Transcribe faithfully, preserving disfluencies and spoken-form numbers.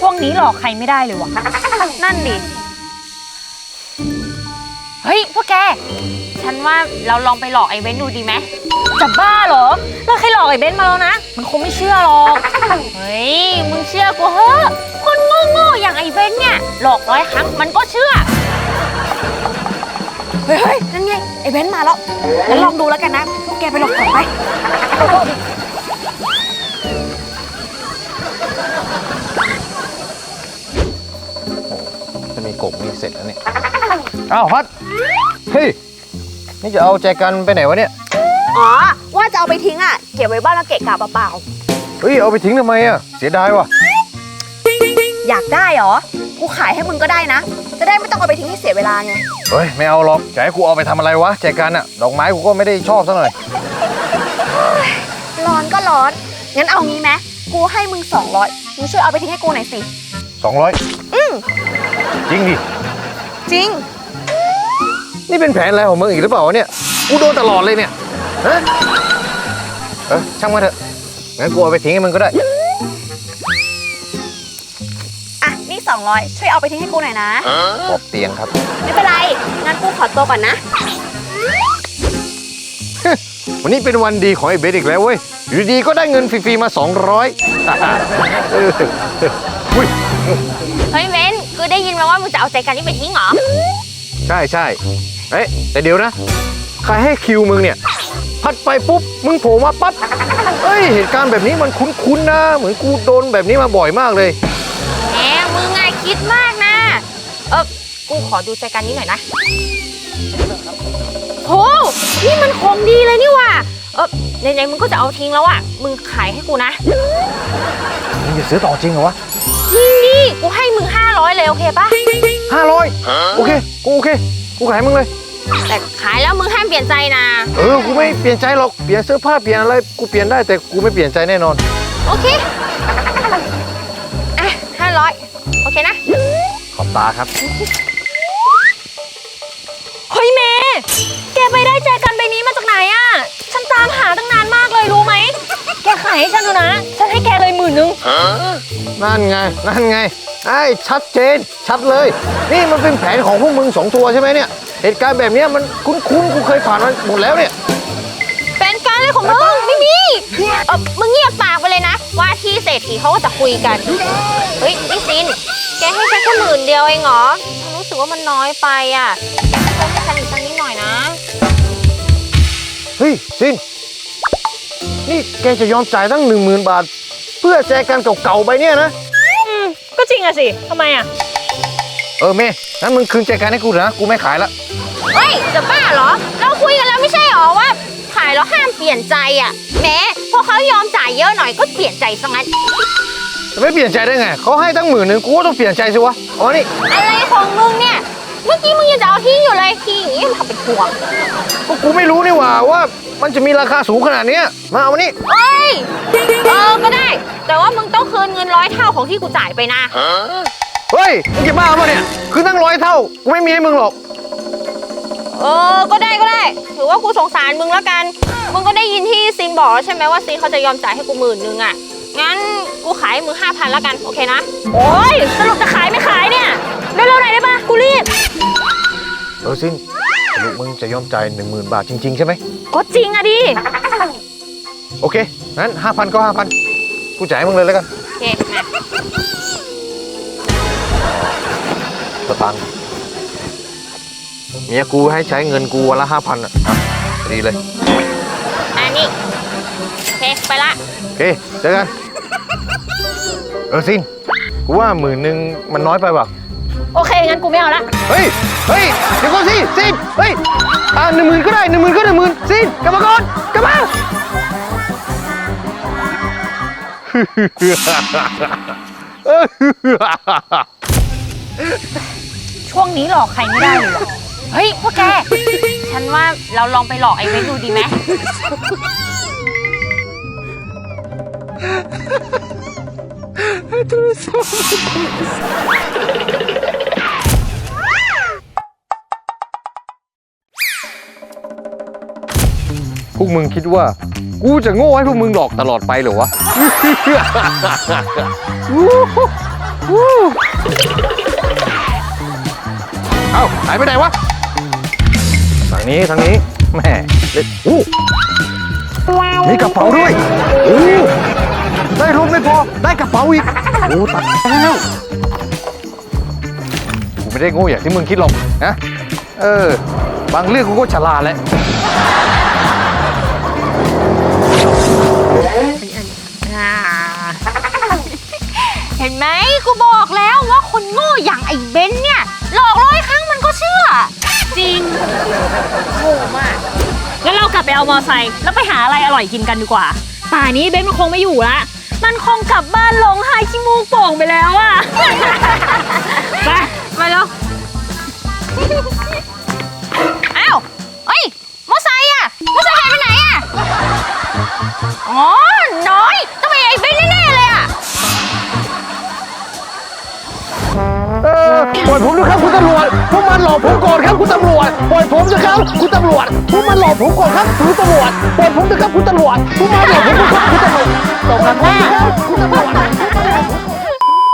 ช่วงนี้หลอกใครไม่ได้เลยวะนั่นดิเฮ้ยพวกแกฉันว่าเราลองไปหลอกไอ้เบ้นดูดีไหมจะบ้าเหรอเราเคยหลอกไอ้เบ้นมาแล้วนะมันคงไม่เชื่อหรอกเฮ้ยมึงเชื่อกูเถอะคนโง่ๆอย่างไอ้เบ้นเนี่ยหลอกร้อยครั้งมันก็เชื่อเฮ้ยนั่นไงไอ้เบ้นมาแล้วงั้นลองดูแล้วกันนะพวกแกไปหลอกก่อนไปจะมีกบมีเสร็จแล้วเนี่ยอ้าวพัดเฮ้ยนี่จะเอาแจกันไปไหนวะเนี่ยอ๋อว่าจะเอาไปทิ้งอ่ะเก็บไว้บ้านแล้วเกะกะเปล่าเฮ้ยเอาไปทิ้งทำไมอ่ะเสียดายว่ะอยากได้เหรอกูขายให้มึงก็ได้นะจะได้ไม่ต้องเอาไปทิ้งให้เสียเวลาไงเฮ้ยไม่เอาหรอกจะให้กูเอาไปทำอะไรวะแจกันอ่ะดอกไม้กูก็ไม่ได้ชอบซะหน่อยร้อนก็ร้อนงั้นเอางี้ไหมกูให้มึงสองร้อยมึงช่วยเอาไปทิ้งให้กูหน่อยสิสองร้อยอืมจริงดิจริงนี่เป็นแผนอะไรของมึงอีกหรือเปล่าวะเนี่ยกูโดนตลอดเลยเนี่ยฮะเออช่างมันเถอะงั้นกูเอาไปทิ้งให้มึงก็ได้อ่ะนี่สองร้อยช่วยเอาไปทิ้งให้กูหน่อยนะขอบเตียงครับไม่เป็นไรงั้นกูขอตัวก่อนนะวันนี้เป็นวันดีของไอ้เบสอีกแล้วเว้ยอยู่ดีๆก็ได้เงินฟรีๆมาสองร้อยอุ้ยเฮ้ยเบนกูได้ยินมาว่ามึงจะเอาใจกันนี่ไปทิ้งเหรอใช่ใช่เอ๊ะแต่เดี๋ยวนะใครให้คิวมึงเนี่ยพัดไปปุ๊บมึงโผล่มาปั๊บเอ้ยเหตุการณ์แบบนี้มันคุ้นๆนะเหมือนกูโดนแบบนี้มาบ่อยมากเลยแหมมึงไงคิดมากนะเออกูขอดูใจกันนี้หน่อยนะโหนี่มันของดีเลยนี่ว่ะเออในๆมึงก็จะเอาทิ้งแล้วอ่ะมึงขายให้กูนะมึงจะซื้อต่อจริงเหรอวะจริงดิกูให้มึงห้าร้อยเลยโอเคปะห้าร้อยโอเคกูโอเคกูขายมึงเลยแต่ขายแล้วมึงห้ามเปลี่ยนใจนะเออกูไม่เปลี่ยนใจหรอกเปลี่ยนเสื้อผ้าเปลี่ยนอะไรกูเปลี่ยนได้แต่กูไม่เปลี่ยนใจแน่นอนโอเคอ่ะห้าร้อยโอเคนะขอบตาครับเฮ้ยเมย์แกไปได้ใจกันใบนี้มาจากไหนอ่ะฉันตามหาตั้งนานมากเลยรู้ไหมแกขายให้ฉันดูนะฉันให้แกเลยหมื่นนึงนั่นไงนั่นไงไอ้ชัดเจนชัดเลยนี่มันเป็นแผนของพวกมึงสองตัวใช่ไหมเนี่ยเหตุการณ์แบบนี้มันคุ้นๆกูเคยผ่านมาหมดแล้วเนี่ยเป็นการเลยของมึงไม่มีเออมึงเงียบปากไปเลยนะว่าที่เศรษฐีเขาก็จะคุยกันเฮ้ยนี่ซินแกให้ฉันแค่หมื่นเดียวเองเหรอฉันรู้สึกว่ามันน้อยไปอ่ะช่วยให้ฉันอีกสักนิดหน่อยนะเฮ้ยซินนี่แกจะยอมจ่ายตั้งหนึ่งหมื่นบาทเพื่อแจกันเก่าๆไปเนี่ยนะอืมก็จริงอะสิทำไมอะเออเมย์งั้นมึงคืนแจกันให้กูนะกูไม่ขายละเฮ้ยจะบ้าเหรอเราคุยกันแล้วไม่ใช่หรอว่าขายแล้วห้ามเปลี่ยนใจอะแม้พอเขายอมจ่ายเยอะหน่อยก็เปลี่ยนใจซะงั้นจะไม่เปลี่ยนใจได้ไงเขาให้ตั้งหมื่นหนึ่งกูก็ต้องเปลี่ยนใจสิวะอ๋อนี่อะไรของมึงเนี่ยเมื่อกี้มึงยังจะเอาทิ้งอยู่เลยทิ้งอย่างนี้ทำเป็นห่วงก็กูไม่รู้นี่หว่าว่ามันจะมีราคาสูงขนาดนี้มาเอามานี่เอ้ยเออก็ได้แต่ว่ามึงต้องคืนเงินร้อยเท่าของที่กูจ่ายไปนะเฮ้ยมึงจะบ้าป่ะเนี่ยคือตั้งร้อยเท่ากูไม่มีให้มึงหรอกเออก็ได้ก็ได้ถือว่ากูสงสารมึงแล้วกันมึงก็ได้ยินที่ซินบอกใช่ไหมว่าซินเขาจะยอมจ่ายให้กูหมื่นนึงอ่ะงั้นกูขายมึงห้าพันแล้วกันโอเคนะโอ้ยสรุปจะขายไม่ขายเนี่ยเร็วๆหน่อยได้ปะกูรีบเออซินสรุปมึงจะยอมจ่ายหนึ่งหมื่นบาทจริงๆใช่ไหมก็จริงอะดิโอเคงั้นห้าพันก็ห้าพันกูจ่ายมึงเลยแล้วกันโอเคมาสตังค์เมียกูให้ใช้เงินกูวันละห้าพันอ่ะดีเลยอันนี้โอเคไปละโอเคเจอกันเออซินกูว่าหมื่นหนึ่งมันน้อยไปป่ะโอเคงั้นกูไม่เอาละเฮ้ยเฮ้ยเดี๋ยวก่อนสิซินเฮ้ยอ่าหนึ่งหมื่นก็ได้หนึ่งหมื่นก็หนึ่งหมื่นซินกลับมาก่อนกลับมาช่วงนี้หลอกใครไม่ได้เลยเฮ้ยพวกแกฉันว่าเราลองไปหลอกไอ้เว้นดูดีไหมพวกมึงคิดว่ากูจะโง่ให้พวกมึงหลอกตลอดไปเหรอวะเอ้าหายไปไหนวะทางนี้ทางนี้แม่เล็ดอู้มีกระเป๋าด้วยโอ้ได้รถไม่พอได้กระเป๋าอีกโอ้ตายแล้วกูไม่ได้โง่อย่างที่มึงคิดหรอกนะเออบางเรื่องกูก็ฉลาดแหละเห็นไหมกูบอกแล้วว่าคนโง่อย่างไอ้เบนเนี่ยหลอกร้อยครั้งมันก็เชื่อจริงโง่มากงั้นเรากลับไปเอามอไซค์แล้วไปหาอะไรอร่อยกินกันดีกว่า ป่านี้เบนมันคงไม่อยู่ละ มันคงกลับบ้านลงหายขี้มูกโป่งไปแล้วอะ ไปมาแล้วอ้าวเอ้ยมอไซค์อะมอไซค์หายไปไหนอะอ๋อน้อยต้องเป็นไอ้เบนแน่ๆเลยอะเออปล่อยผมด้วยครับคุณตำรวจพวกมันหลอกผมก่อนครับคุณตำรวจปล่อยผมนะครับคุณตำรวจพวกมันหลอกผมก่อนครับคุณตำรวจปล่อยผมนะครับคุณตำรวจพวกมันหลอกผมก่อนครับคุณต